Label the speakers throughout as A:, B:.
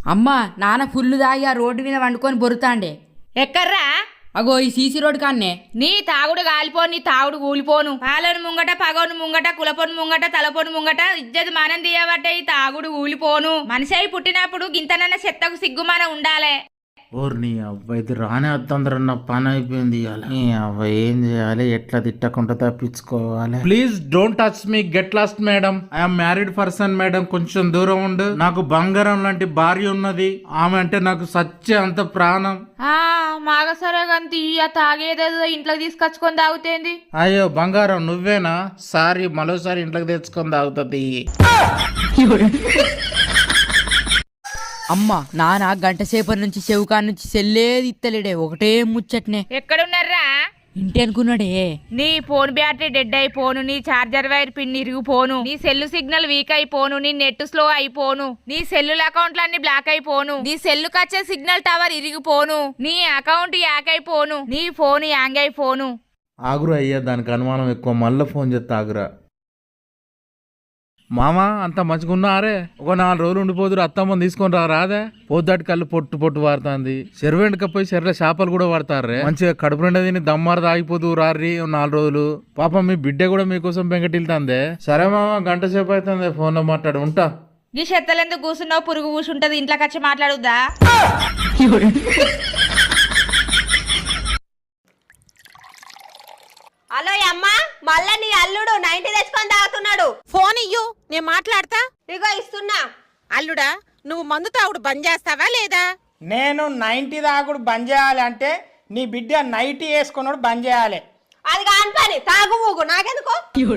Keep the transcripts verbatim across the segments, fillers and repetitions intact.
A: అమ్మా నాన్న ఫుల్లు దాగి ఆ రోడ్డు మీద వండుకొని బొరుతాండే.
B: ఎక్కర్రా?
A: అగో ఈ సీసీ రోడ్ కాన్నే.
B: నీ తాగుడు గాలిపోను, నీ తాగుడు కూలిపోను. పాలను ముంగట, పగోను ముంగట, కులపోను ముంగట, తలపోను ముంగట ఇజ్జత్ మానం తీయబట్టే ఈ తాగుడు కూలిపోను. మనిషి అయి పుట్టినప్పుడు గింతనన్న చెత్తకు సిగ్గుమాన ఉండాలే.
C: ఓర్ నీ అవ్వ ఇది రానే వద్దందరన్న పని అయిపోయింది ఇవాళ. నీ అవ్వ ఏం చేయాలి, ఎట్లా తిట్టకుండా తప్పించుకోవాలి. Please don't touch me, get lost madam. I'm married person madam, కొంచెం దూరం ఉండు. నాకు బంగారం లాంటి భార్య ఉన్నది, ఆమె అంటే నాకు సచ్చే అంత ప్రాణం.
B: ఆ మాగ సరే గంతి ఆ తాగేదేదో ఇంట్లోకి తీసుకొచ్చుకొని తాగుతేంది.
C: అయ్యో బంగారం నువ్వేనా? సారీ, మరోసారి ఇంట్లోకి తెచ్చుకొని తాగుతుంది.
A: అమ్మ నాన్న గంట సేపటి నుంచి చెవుకా నుంచి సెల్లేది ఇత్తలేడే, ఒకటే ముచ్చట్నే.
B: ఎక్కడున్నారా?
A: ఇంటి అనుకున్నాడే.
B: నీ ఫోన్ బ్యాటరీ డెడ్ అయిపోను, నీ చార్జర్ వైర్ పిన్ ఇరిగిపోను, నీ సెల్లు సిగ్నల్ వీక్ అయిపోను, నీ నెట్ స్లో అయిపోను, నీ సెల్లుల అకౌంట్లన్నీ బ్లాక్ అయిపోను, నీ సెల్లు కచ్చే సిగ్నల్ టవర్ ఇరిగిపోను, నీ అకౌంట్ యాక్ అయిపోను, నీ ఫోన్ యాంగ్ అయిపోను.
C: ఆగురా అయ్యా, దానికి అనుమానం ఎక్కువ, మళ్ళీ ఫోన్ చేస్తా ఆగురా. మామ అంత మంచిగున్నారే, ఒక నాలుగు రోజులు ఉండిపోతురు, అత్తమ్మని తీసుకొని రా రాదే. పోద్దాటి కళ్ళు పొట్టు పొట్టు వాడుతుంది. చెరువు ఎండకపోయి చెర్ల చేపలు కూడా వాడతారే. మంచిగా కడుపు నిండా తిని దమ్మారు తాగిపోతూ రారి నాలుగు రోజులు. పాపం మీ బిడ్డ కూడా మీకోసం బెంగటిల్తాందే. సరే మామ, గంట సేపు అవుతుంది, ఫోన్ లో మాట్లాడు, ఉంటా.
B: ఈ చెత్తలెందుకు కూర్చున్నావు? పురుగు కూర్చుంటది, ఇంట్లోకి వచ్చి మాట్లాడుద్దా?
D: హలో అమ్మా, మళ్ళా నీ అల్లుడు నైన్టీ తెచ్చుకొని తాగుతున్నాడు.
E: ఫోన్ ఇయ్యు, నేను మాట్లాడతా.
D: ఇగో ఇస్తున్నా.
E: అల్లుడా, నువ్వు మందు తాగుడు బంద్ చేస్తావా లేదా?
F: నేను నైన్టీ తాగుడు బంద్ చేయాలి అంటే నీ బిడ్డ నైటీ వేసుకున్నాడు బంద్ చేయాలి.
D: అది కాని పని, తాగు ఊగు, నాకెందుకు?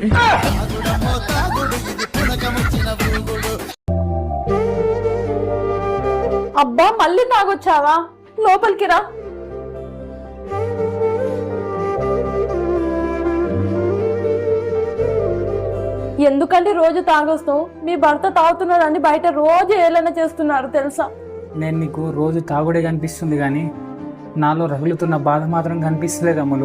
G: అబ్బా మళ్ళీ తాగొచ్చావా? లోపలికి రా. ఎందుకంటే రోజు తాగొస్తావు? మీ భర్త తాగుతున్నాడని బయట రోజు ఏలైనా చేస్తున్నారు తెలుసా?
H: నేను నీకు రోజు తాగుడే కనిపిస్తుంది కానీ నాలో రగులుతున్న బాధ మాత్రం కనిపిస్తలేదు అమ్ములు.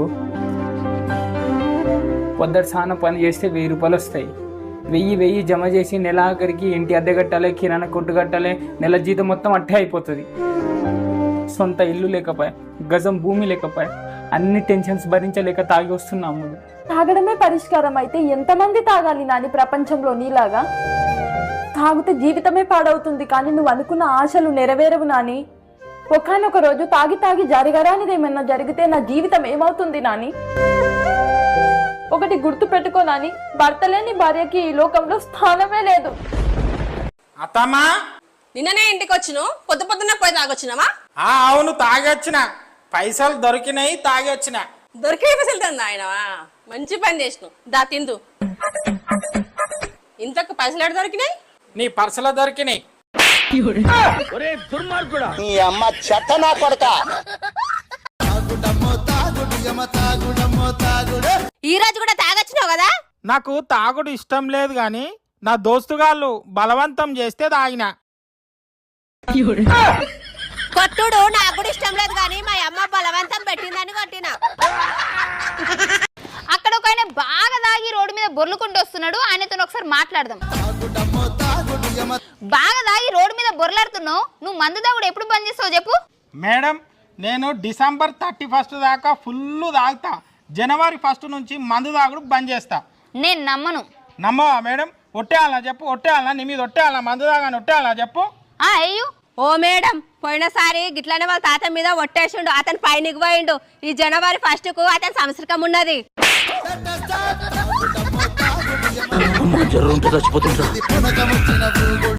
H: పొద్దుటి సాన పని చేస్తే వెయ్యి రూపాయలు వస్తాయి. వెయ్యి వెయ్యి జమ చేసి నెల ఆఖరికి ఇంటి అద్దె కట్టాలి, కిరాణా కొట్టు కట్టాలి, నెల జీతం మొత్తం అట్టే అయిపోతుంది. సొంత ఇల్లు లేకపోయా, గజం భూమి లేకపోయా, అన్ని టెన్షన్స్ భరించలేక తాగి వస్తున్నా అమ్ములు.
G: తాగడమే పరిష్కారం అయితే ఎంతమంది తాగాలి నాని ప్రపంచంలో నీలాగా? తాగితే జీవితమే పాడవుతుంది, కానీ నువ్వు అనుకున్న ఆశలు నెరవేరవు నాని. ఒకనొక రోజు తాగి తాగి జరగరానిది ఏమన్నా జరిగితే నా జీవితం ఏమవుతుంది నాని? ఒకటి గుర్తు పెట్టుకో నాని, భర్త లేని భార్యకి ఈ లోకంలో స్థానమే లేదు.
F: అత్తమ్మా,
D: నిన్ననే ఇంటికి వచ్చిన, పొద్దు పొద్దున్న పోయి తాగొచ్చినావా?
F: ఆ అవును, తాగొచ్చిన. పైసలు దొరికినాయి, తాగొచ్చిన.
D: దొరికే పైసలు తంది ఆయనవా? మంచి పని చేసినావు, దా తిందు. ఇంతకు పైసలు ఎక్కడ దొరికినాయి?
F: నీ పర్సులో దొరికినాయి.
D: ఈ రోజు కూడా తాగొచ్చినావు కదా?
F: నాకు తాగుడు ఇష్టం లేదు గాని నా దోస్తుగాళ్ళు బలవంతం చేస్తే తాగిన.
D: కొట్టుడు నాకు కూడా ఇష్టం లేదు కానీ మా అమ్మ బలవంతం పెట్టిందని కొట్టినా.
I: అక్కడ ఒక ఆయన బాగా తాగి రోడ్డు మీద బొర్లుకుంటూ వస్తున్నాడు, ఆయనతో ఒకసారి మాట్లాడదాం. బాగా తాగి రోడ్డు మీద బొర్లాడుతున్నావు, నువ్వు మందు తాగుడు ఎప్పుడు బంద్ చేస్తావు చెప్పు?
F: మేడం, నేను డిసెంబర్ థర్టీ ఫస్ట్ దాకా ఫుల్ తాగుతా. జనవరి ఫస్ట్ నుంచి మందు తాగుడు బంద్ చేస్తా.
I: నేను నమ్మను.
F: నమ్మవా మేడం? ఒట్టేయాలా చెప్పు, ఒట్టేయాలా? నీ మీద ఒట్టేయాలా? మందు తాగాని ఒట్టేయాలా చెప్పు?
I: ఆ అయ్యో
D: ఓ మేడం, పోయినసారి గిట్లనే వాళ్ళ తాత మీద ఒట్టేసిండు, అతను పైనకి పోయిండు. ఈ జనవరి ఫస్ట్ కు అతని సంవత్సరం ఉన్నది.